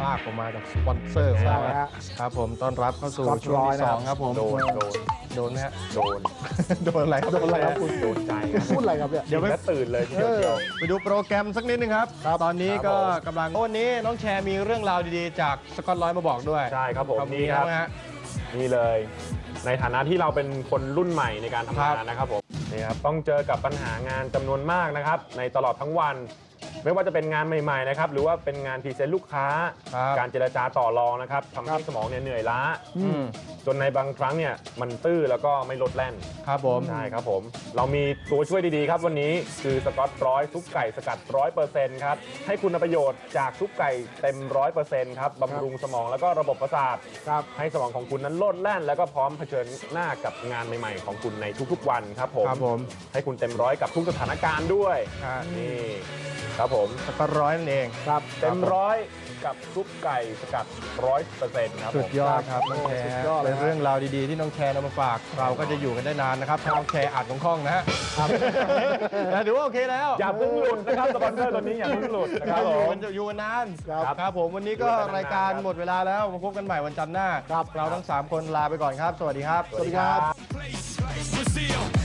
ากผมมาจากสปอนเซอร์ของเราครับผมต้อนรับเข้าสู่ช่วงที่2ครับผมโดนไหมฮะโดนอะไรครับโดนอะไรครับคุณโดนใจพูดอะไรครับเนี่ยเดี๋ยวไม่ตื่นเลยทีเดียวไปดูโปรแกรมสักนิดนึงครับตอนนี้ก็กำลังวันนี้น้องแชร์มีเรื่องราวดีๆจากสกอตร้อยมาบอกด้วยใช่ครับผมนี่ครับนี่เลยในฐานะที่เราเป็นคนรุ่นใหม่ในการทำงานนะครับผมนี่ครับต้องเจอกับปัญหางานจำนวนมากนะครับในตลอดทั้งวันไม่ว่าจะเป็นงานใหม่ๆนะครับหรือว่าเป็นงานพรีเซนต์ลูกค้าการเจรจาต่อรองนะครับทำให้สมองเนี่ยเหนื่อยล้าจนในบางครั้งเนี่ยมันตื้อแล้วก็ไม่ลดแล่นครับผมใช่ครับผมเรามีตัวช่วยดีๆครับวันนี้คือสกอตร้อยซุปไก่สกัด 100% ครับให้คุณประโยชน์จากซุปไก่เต็ม 100% ครับบำรุงสมองแล้วก็ระบบประสาทให้สมองของคุณนั้นโลดแล่นแล้วก็พร้อมเผชิญหน้ากับงานใหม่ๆของคุณในทุกๆวันครับผมให้คุณเต็มร้อยกับทุกสถานการณ์ด้วยนี่ครับผมสกอตร้อยนั่นเองครับเต็มร้อยกับซุปไก่สกัด 100% ครับสุดยอดครับน้องแชร์เป็นเรื่องราวดีๆที่น้องแชร์นำมาฝากเราก็จะอยู่กันได้นานนะครับน้องแชร์อ่านของข้องนะฮะถือว่าโอเคแล้วอย่าเพิ่งหลุดนะครับสปอนเซอร์ตัวนี้อย่าเพิ่งหลุดนะครับอยู่กันนานครับผมวันนี้ก็รายการหมดเวลาแล้วมาพบกันใหม่วันจันทร์หน้าเราทั้ง3คนลาไปก่อนครับสวัสดีครับสวัสดีครับ